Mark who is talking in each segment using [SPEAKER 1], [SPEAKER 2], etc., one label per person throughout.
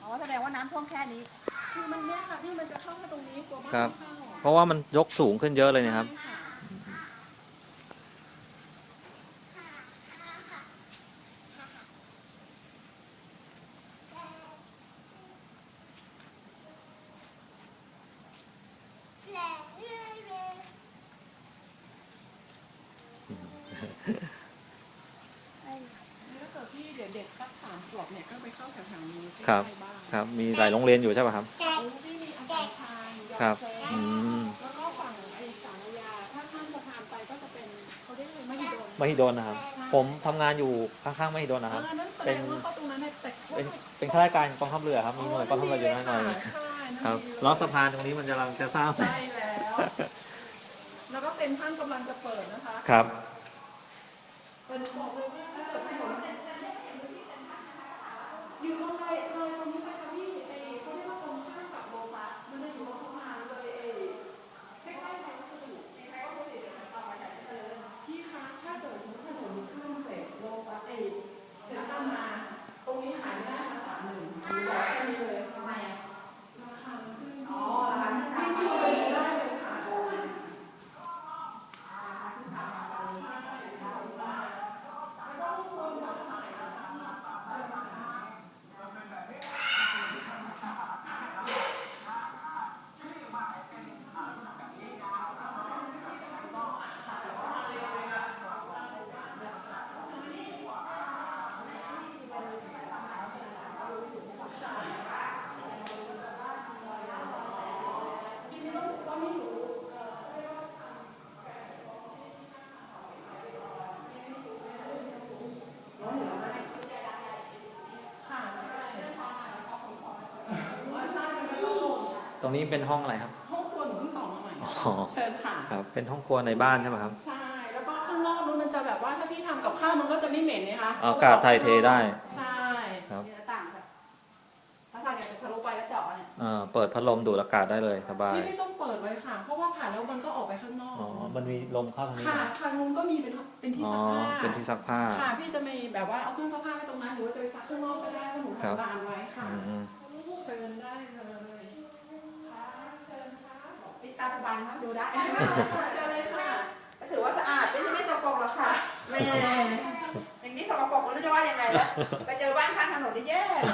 [SPEAKER 1] อแสดงว่าน้ำท่วมแค่นี้
[SPEAKER 2] คือมันเนี่ยค่ะที่มันจะเข้ามาตรงนี้กลัวบ้าน
[SPEAKER 3] ครับ
[SPEAKER 2] ไม่เข้า
[SPEAKER 3] เพราะว่ามันยกสูงขึ้นเยอะเลยนะครับ
[SPEAKER 2] ใช่ค่ะถ้าเกิดพี่เดี๋ยวเด็กสัก3 ขวบเนี่ยก็ไปเข้าแถวๆนี้
[SPEAKER 3] ครับ
[SPEAKER 2] ใกล้ๆบ้าน
[SPEAKER 3] ครับ มีหลายโรงเรียนอยู่ใช่ป่ะครับ
[SPEAKER 2] ที่มีอาจารย์ชายยอ
[SPEAKER 3] ครับ
[SPEAKER 2] เซ
[SPEAKER 3] อืม
[SPEAKER 2] แล้วก็ฝั่งไอ้สารยาถ้าข้ามสะพานไปก็จะเป็นเขาเรียกอะไรมหิดล
[SPEAKER 3] มหิดลนะครับ ผมทำงานอยู่ข้างๆมหิดลนะครับ
[SPEAKER 2] นั่นแสดงว่าเขาตรงนั้นเนี่ยแต่
[SPEAKER 3] เป็นข้าราชการกองทัพเรือครับ มีหน่วยกองทัพเรืออยู่นั่นหน่อย
[SPEAKER 2] ใช่นั่น
[SPEAKER 3] ครับ
[SPEAKER 2] ดีเลย
[SPEAKER 3] ล้อสะพานตรงนี้มันกำลังจะสร้างเสร็จ
[SPEAKER 2] ใช่แล้ว แล้วก็เซ็นทรัลกำลังจะเปิดนะคะ
[SPEAKER 3] ครับ
[SPEAKER 2] เป็นบอกเลยว่าถ้าเกิดถนนอยู่ตรงเลยตรงนี้ไปค่ะพี่ไอ้เขาเรียกว่าตรงข้ามกับโลตัสมันจะอยู่ตรงข้างมาเลยใกล้ๆไทยวัสดุใกล้ๆวัสดุเดี๋ยวมันต่อไปไหนก็เลยพี่คะถ้าเกิดสมมติถนนข้ามเสร็จโลตัสเซ็นทรัลมาตรงนี้ขายไม่ได้มา31,000หรือบอกแค่นี้เลยทำไมอ่ะราคามันขึ้นอ๋อราคาขึ้นพี่เลยได้เลยค่ะ
[SPEAKER 3] ตรงนี้เป็นห้องอะไรครับ
[SPEAKER 2] ห้องครัวหนูเพิ่งต่อมาใหม่
[SPEAKER 3] อ๋อ
[SPEAKER 2] เชิญค่ะ
[SPEAKER 3] ครับ เป็นห้องครัวในบ้านใช่ไหมครับ
[SPEAKER 2] ใช่ แล้วก็ข้างนอกนู้นมันจะแบบว่าถ้าพี่ทำกับข้าวมันก็จะไม่เหม็นนะคะ
[SPEAKER 3] อากาศถ่ายเทได้
[SPEAKER 2] ใช่
[SPEAKER 3] ครับ
[SPEAKER 1] มีหน้าต่างแบบถ้าทางจะทะลุไปแล้วเจาะเนี่ย
[SPEAKER 3] เปิดพัดลมดูดอากาศได้เลยสบาย
[SPEAKER 2] พี่ไม่ต้องเปิดไว้ค่ะ เพราะว่าผ่านแล้วมันก็ออกไปข้างนอก
[SPEAKER 3] อ๋อ มันมีลมเข้าทางนี้
[SPEAKER 2] ค่ะ
[SPEAKER 3] นะ
[SPEAKER 2] ทางนู้นก็มีเป็นที่
[SPEAKER 3] อ๋อ
[SPEAKER 2] ซักผ้า
[SPEAKER 3] เป็นที่ซักผ้า
[SPEAKER 2] ค่ะ พี่จะมีแบบว่าเอาเครื่องซักผ้าไว้ตรงนั้นหรือว่าจะไปซักข้างนอกก็ได้เพราะหนู
[SPEAKER 3] ครับ
[SPEAKER 2] ทำลานไว้ค่ะ
[SPEAKER 3] อืม
[SPEAKER 2] เชิญได้เลยค่ะเชิญค่ะ
[SPEAKER 1] ปิดตาสบายนะดูได้
[SPEAKER 2] เชิญเลยค่ะ
[SPEAKER 1] ก็ถือว่าสะอาดไม่สกปรกหรอกค่ะแม่อย่างนี้สกปรกไม่รู้จะว่ายังไงแล้วไปเจอบ้านข้างถนนที่แย่เลย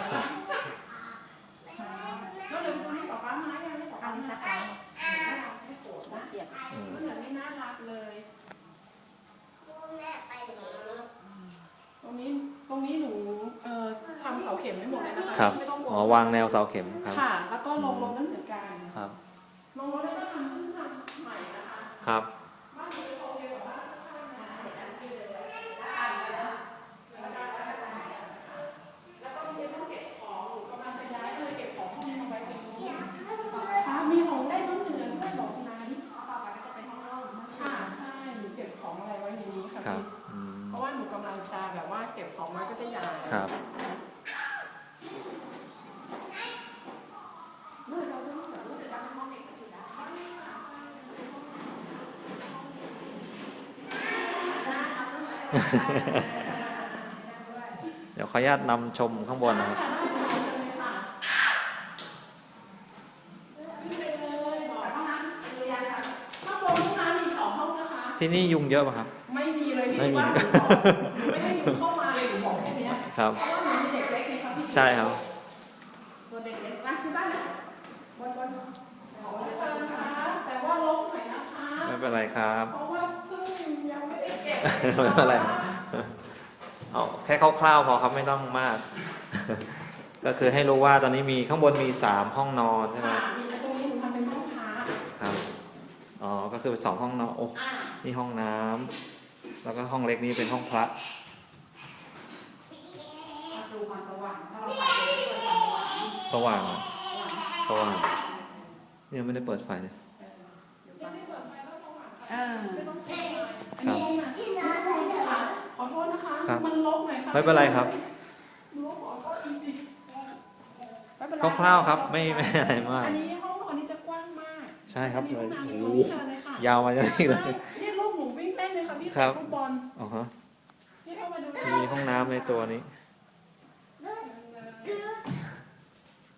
[SPEAKER 2] แล้วเดี๋ยวคุณให้ป๊าป๊าไม้ยังให้ป๊าป๊า
[SPEAKER 1] อันนี้
[SPEAKER 2] ไม้
[SPEAKER 1] สัก
[SPEAKER 2] ค่ะ
[SPEAKER 1] ครั้ง
[SPEAKER 2] ไม่โกรธนะ
[SPEAKER 1] เปียก
[SPEAKER 2] มันเหมือนไม่น่ารักเลย ตรงนี้หนูทำเสาเข็มไม่หมดเลยนะคะ
[SPEAKER 3] ครับ
[SPEAKER 2] ไม่ต้องกลัว
[SPEAKER 3] อ๋อ วางแนวเสาเข็มครับ
[SPEAKER 2] ค่ะ แล้วก็ลงรถนั่นเหมือนกัน
[SPEAKER 3] ครับ
[SPEAKER 2] ลงรถแล้วก็ทำขึ้นทำใหม่นะคะ
[SPEAKER 3] ครับ
[SPEAKER 2] บ้านหนูจะโอเคกว่าบ้านข้างๆนะแล้วก็มีต้องเก็บของหนูกำลังจะย้ายเลยเก็บของห้องนี้มาไว้ตรงนี้ค่ะมีของเล่นน้องเหนือด้วยบอกนั้น
[SPEAKER 1] ต่อไปก็จะเป็นห้องโล่ง
[SPEAKER 2] ค่ะใช่หนูเก็บของอะไรไว้ในนี้ค่ะ
[SPEAKER 3] ครับ
[SPEAKER 2] พี่
[SPEAKER 3] อืม
[SPEAKER 2] เพราะว่าหนูกำลังจะแบบว่าเก็บของไว้ก็จะย้าย
[SPEAKER 3] ครับ เดี๋ยวขออนุญาตนำชมข้างบนนะครับ ที่นี่ยุงเยอะป่ะครับ
[SPEAKER 2] ไม่มีเลยพี่
[SPEAKER 3] ไม่มี
[SPEAKER 2] ว่าหนูบอกไม่ให้หนูเข้ามาเลยหนูบอกแค่เนี้ย
[SPEAKER 3] ครับ
[SPEAKER 2] เพราะว่าหนูมีเด็กเล็กไงครับพี่
[SPEAKER 3] ใช่ครับ
[SPEAKER 1] ตัวเด็กๆมาที่บ้านนะบน
[SPEAKER 2] เชิญค่ะแต่ว่าลบหน่อยนะคะ
[SPEAKER 3] ไม่เป็นไรครับ
[SPEAKER 2] เพราะว่าเพิ่งยังไม่ได้เก็บ
[SPEAKER 3] ไม่เป็นไร เอาแค่คร่าวๆพอครับไม่ต้องมาก ก็คือให้รู้ว่าตอนนี้มีข้างบนมี3ห้องนอนใช่ไหม
[SPEAKER 2] ค่ะมีตรงนี้หนูทำเป็นห้องพัก
[SPEAKER 3] ครับ อ๋อ ก็คือ2ห้องนอน โอ้
[SPEAKER 2] อ่ะ
[SPEAKER 3] นี่ห้องน้ำแล้วก็ห้องเล็กนี้เป็นห้องพระ
[SPEAKER 1] ดูความสว่างถ้าเราไปเปิดความสว่าง
[SPEAKER 3] สว่าง สว่าง เนี่ยไม่ได้เปิดไฟเลย
[SPEAKER 2] ยังไม่เปิดไฟก็สว่างค่ะ
[SPEAKER 1] อ่า
[SPEAKER 2] ไม่ต้องเปิดเลยอันนี้ห้องน้ำค่ะขอโทษนะคะ
[SPEAKER 3] ครับ
[SPEAKER 2] มันลกหน่อยค่ะ
[SPEAKER 3] ไม่เป็นไรครับ
[SPEAKER 2] ลกขอโทษจริง
[SPEAKER 1] ไม่เป็นไร
[SPEAKER 3] คร่าวๆครับ ไม่อะไรมาก
[SPEAKER 2] ๆอันนี้ห้องนอนนี้จะกว้างมาก
[SPEAKER 3] ใช่ครับ
[SPEAKER 2] จะมี
[SPEAKER 3] เล
[SPEAKER 2] ห้อย งน้ำ
[SPEAKER 3] โอ้
[SPEAKER 2] ต
[SPEAKER 3] โห
[SPEAKER 2] รงนี้เชิญเลยค่ะ
[SPEAKER 3] ยาวมาจากนี่เลย
[SPEAKER 2] นี่ลูกหนูวิ่งเล่นเลยค่ะพี่
[SPEAKER 3] ครับ
[SPEAKER 2] ฟุตบอล
[SPEAKER 3] อ๋อฮะ
[SPEAKER 2] พี่เข้ามาดู
[SPEAKER 3] มีห้องน้ำในตัวนี้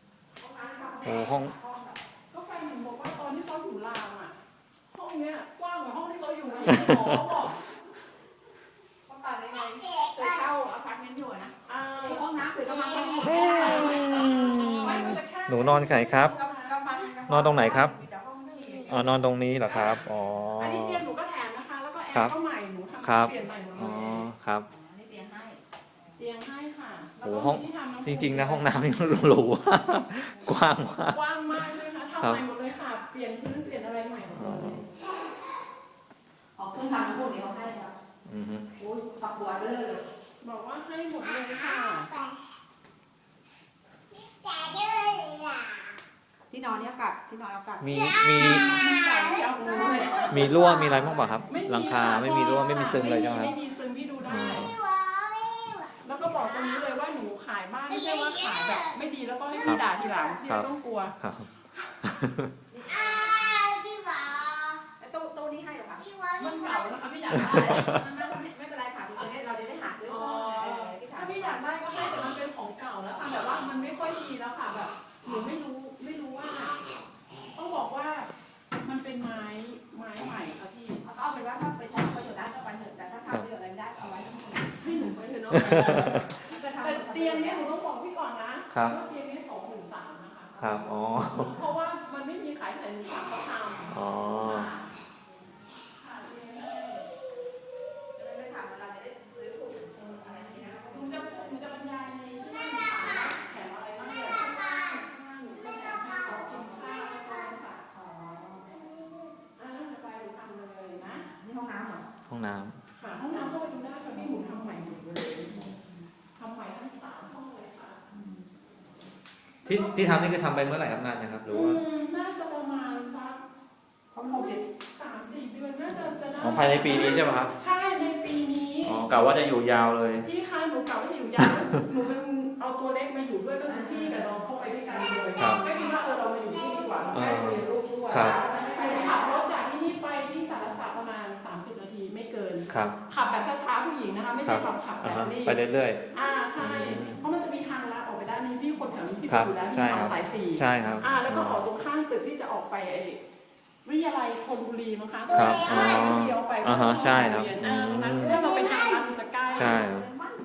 [SPEAKER 3] โอ้ห้อง
[SPEAKER 2] ก็แฟนหนูบอกว่าตอนที่เขาอยู่รามอ่ะห้องเนี้ยกว้างกว่าห้องที่เขาอยู่เลยหมอบอก
[SPEAKER 1] เขาตัดได้ไงเคยเข้าอพาร์ตเมนต์อยู่นะ
[SPEAKER 2] มี
[SPEAKER 1] ห้องน้ำหรือกำลังห้อง
[SPEAKER 2] ไม่มันจะแค่
[SPEAKER 3] หนูนอนไหนครับ นอนตรงไหนครับ
[SPEAKER 1] มีแต่ห้องที่
[SPEAKER 3] อ๋อนอนตรงนี้เหรอครับอ๋อ
[SPEAKER 2] อันนี้เตียงหนูก็แถมนะคะ แล้วก็แอ
[SPEAKER 3] ครับ
[SPEAKER 2] ร์ก็ใหม่หนูทำ
[SPEAKER 3] ครับ
[SPEAKER 2] เปลี่ยนใหม่หมดเล
[SPEAKER 3] อ๋อย ครับ
[SPEAKER 1] นี่เตียงให้
[SPEAKER 2] เตียงให้ค่ะ
[SPEAKER 3] โอ้ห้อง
[SPEAKER 2] แล้วก็มีที่ทำำ
[SPEAKER 3] จริงๆนะห้องน้ำนี่หรูกว้างมาก
[SPEAKER 2] กว้างมากเลยค่ะ
[SPEAKER 3] ครั
[SPEAKER 2] ทำ
[SPEAKER 3] บ
[SPEAKER 2] ใหม่หมดเลยค่ะ เปลี่ยนพื้นเปลี่ยนอะไรใหม่หมดเลย
[SPEAKER 1] ออกเครื่องทำพวกนี้เขาให้ครับ
[SPEAKER 3] อือฮึ
[SPEAKER 1] โอ้ยฝักบัวไปเลย
[SPEAKER 2] บอกว่าให้หมดเลยค่ะ
[SPEAKER 1] ที่นอนเนี่ยกลับที่นอนเอากลับ
[SPEAKER 3] มี
[SPEAKER 2] มันเก่าเก่าเลย
[SPEAKER 3] มีรั่วมีอะไรบ้างเปล่าครับ หลังคาไม่มีรั่วไม่มีซึมเลยใช่ไหมค
[SPEAKER 2] ไม่
[SPEAKER 3] รับ
[SPEAKER 2] มีซึมพี่ดูได้
[SPEAKER 3] อ๋อ
[SPEAKER 2] แล้วก็บอกตรงนี้เลยว่าหนูขายบ้านไม่ใช่ว่าขายแบบไม่ดีแล้วก็ให้พี่ด่าทีหลังพี่ไม่ต้องกลัว
[SPEAKER 3] ครับ
[SPEAKER 1] ไอ้ตู้นี้ให้เหรอคะ
[SPEAKER 2] มันเก่านะคะพี่อยากได้
[SPEAKER 1] ไม่เป็นไรค่ะเราจะได้หาซื้อ
[SPEAKER 2] อ๋อ
[SPEAKER 1] ที่
[SPEAKER 2] ถ้าพี่อยากได้ก็ให้แต่มันเป็นของเก่าแล้วค่ะแบบว่ามันไม่ค่อยดีแล้วค่ะแบบหนูไม่รู้ว่าต้องบอกว่ามันเป็นไม้ใหม่ค่ะพี่
[SPEAKER 1] เอาเป็นว่าถ้าไปใช้ประโยชน์ได้ก็ไปเถอะแต่ถ้าทำประโยชน์อะไรไม่ได้เอาไว้ทั้งหมด
[SPEAKER 2] ให้หนูไปเถอะเนาะ
[SPEAKER 1] จะทำ
[SPEAKER 2] แต่เตียงเนี้ยหนูต้องบอกพี่ก่อนนะครับ ว่าเตียงเนี้ย23,000นะคะ
[SPEAKER 3] ครับอ๋อ
[SPEAKER 2] เพราะว่ามันไม่มีขายที่ไหนหนูสั่งเขาทำ
[SPEAKER 3] อ๋อ
[SPEAKER 2] ค่ะเตียงนี้
[SPEAKER 1] ไม่ทำเราจะได้ซื้อถูกอะไรอย่างนี้นะ
[SPEAKER 2] หนูจะบรรยายในที่นั่นค่ะแถมอะไรบ้างเนี่ยข้างล่างหนูจะแถมให้เขากินข้าวแล้วก็ฝากของไปหนูทำเลยนะ
[SPEAKER 1] นี่ห้องน้ำเหรอ
[SPEAKER 3] ห้องน้
[SPEAKER 2] ค่ะห้องน้ำเข้าไปดูได้ค่ะพี่หนูทำใหม่หมดเลยทำใหม่ทั้ง3ห้องเลยค่ะ
[SPEAKER 3] ำที่ทำนี่คือทำไปเมื่อไหร่ครับนานยังครับหรือว่า
[SPEAKER 2] น่าจะประมาณสัก
[SPEAKER 1] ห้องโฮมเด็ด
[SPEAKER 2] 3-4 เดือนน่าจะได้
[SPEAKER 3] อ๋อภายในปีนี้ใช่ไหมครับ
[SPEAKER 2] ใช่ในปีนี้
[SPEAKER 3] อ๋อกะว่าจะอยู่ยาวเลย
[SPEAKER 2] พี่คะหนูกลับว่าอยู่ยาวหนูเป็นเอาตัวเล็กมาอยู่ด้วยก็คือพี่กับน้องเข้าไปด้วยกันเลย
[SPEAKER 3] ครับ
[SPEAKER 2] ไม่คิดว่าเรามาอยู่ที่นี่ดีกว่าเราได้เรียนรู้ด้วย
[SPEAKER 3] ครับ
[SPEAKER 2] ไปขับรถจากที่นี่ไปที่สารศาสตร์ประมาณ30 นาทีไม่เกิน
[SPEAKER 3] ครับ
[SPEAKER 2] ขับแบบช้าๆผู้หญิงนะคะไม่ใช่แบบขับแบ
[SPEAKER 3] อ่า
[SPEAKER 2] บ
[SPEAKER 3] ฮะ
[SPEAKER 2] นี้
[SPEAKER 3] ไปเรื่อย
[SPEAKER 2] ใช่เพราะมันจะมีทางลัดออกไปด้านนี้พี่คนแถวนี้พี่
[SPEAKER 3] ครับ
[SPEAKER 2] อยู่แล้ว
[SPEAKER 3] ใช่
[SPEAKER 2] มี
[SPEAKER 3] ครั
[SPEAKER 2] ทา
[SPEAKER 3] บ
[SPEAKER 2] งสายสี่
[SPEAKER 3] ๆ ใช่ครับ
[SPEAKER 2] แล้วก็ออกตรงข้างตึกที่จะออกไปไอ้วิทยาลัยธนบุรีมั้งคะ
[SPEAKER 3] ครับ
[SPEAKER 2] ใช่ก็เลี้ยวไป
[SPEAKER 3] อ่าฮะใช่ครับ
[SPEAKER 2] ตรงนั้นถ้าเราไปทางลัดมันจะใกล้
[SPEAKER 3] ใช่ครับ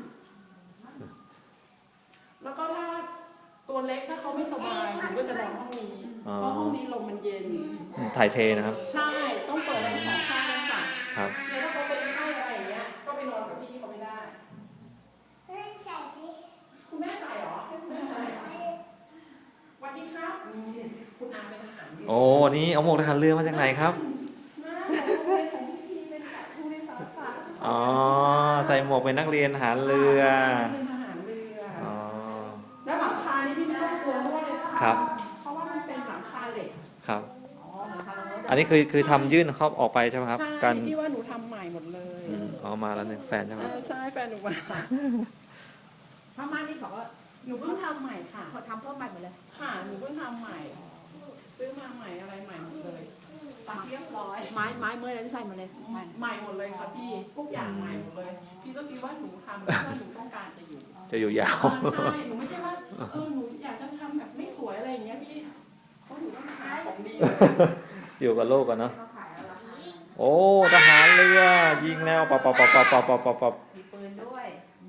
[SPEAKER 2] แล้วก็ถ้าตัวเล็กถ้าเขาไม่สบายหนูก็จะนอนห้องนี้
[SPEAKER 3] อ๋อ
[SPEAKER 2] เพราะห้องนี้ลมมันเย็น
[SPEAKER 3] ถ่ายเทนะครับ
[SPEAKER 2] ใช่ต้องเปิดทั้งสองข้างเลยค่ะ
[SPEAKER 3] ครับ
[SPEAKER 2] แล้วถ้าเขาเป็นไข้อะไรอย่างเงี้ยก็ไปนอนกับพี่เขาไม่ได้ คุณแม่ใส่เหรอให้คุณแม่ใส่เหรอสวัสดีครับนี่คุณอาเป็นทหารอยู่
[SPEAKER 3] โอ้นี่เอาหมวกทหารเรือมาจากไหนครับ
[SPEAKER 2] หน้าของโรงเรียนของพี่เป็นแบบทุเรียนสารศาสตร์
[SPEAKER 3] อ๋อใส่หมวกเป็นนักเรียนทหารเรือ
[SPEAKER 2] เป็นทหารเรือ
[SPEAKER 3] อ๋อ
[SPEAKER 2] แล้วหลังคานี่พี่ไม่ต้องกลัวเพราะว่า
[SPEAKER 3] ครับ
[SPEAKER 2] เพราะว่ามันเป็นหลังคาเหล็ก
[SPEAKER 3] ครับ
[SPEAKER 1] อ๋อเหมือนทางรถ
[SPEAKER 3] อันนี้คือทำยื่นเข้าออกไปใช่ไหมครับ
[SPEAKER 2] ใช่
[SPEAKER 3] การ
[SPEAKER 2] ที่ว่าหนูทำใหม่หมดเลย
[SPEAKER 3] เอามาแล้วเนี่ยแฟนใช่ไหมครับ
[SPEAKER 2] ใช่แฟนหนูมา
[SPEAKER 1] ผ้าม่านนี่บอกว่า
[SPEAKER 2] หนูเพิ่งทำใหม่ค่ะ
[SPEAKER 1] เขาทำเพิ่มใหม่หมดเลย
[SPEAKER 2] ค่ะหนูเพิ่งทำใหม่ ซื้อมาใหม่อะไรใหม่หมดเลยตัดเรียบร้อย
[SPEAKER 1] ไม้เมื่อไรที่ใส่มาเลย
[SPEAKER 2] ใหม่หมดเลยค่ะพี่ทุกอย่างใหม่หมดเลย พี่ก็คิดว่าหนูทำเพราะว่าหนูต้องการจะอยู่
[SPEAKER 3] จะอยู่ยาว
[SPEAKER 2] ใช่หนูไม่ใช่ว่าหนูอยากจะทำแบบไม่สวยอะไรอย่างเงี้ยพี่เพราะหนูต้องหาของดี
[SPEAKER 3] อยู่กับโลกกันเนาะ
[SPEAKER 1] เขาขายแล้วราคา
[SPEAKER 3] โอ้ทหารเรือยิงแล้วปับปับปับปับปับปับปับปับ
[SPEAKER 1] มีปืนด้วย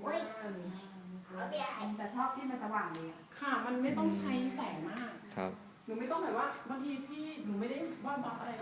[SPEAKER 1] แต่ชอบที่มันสว่างดีอ่ะ
[SPEAKER 2] ค่ะมันไม่ต้องใช้แสงมาก
[SPEAKER 3] ครับ
[SPEAKER 2] หนูไม่ต้องแบบว่าบางทีพี่หนูไม่ได้ว่าบัฟอะไร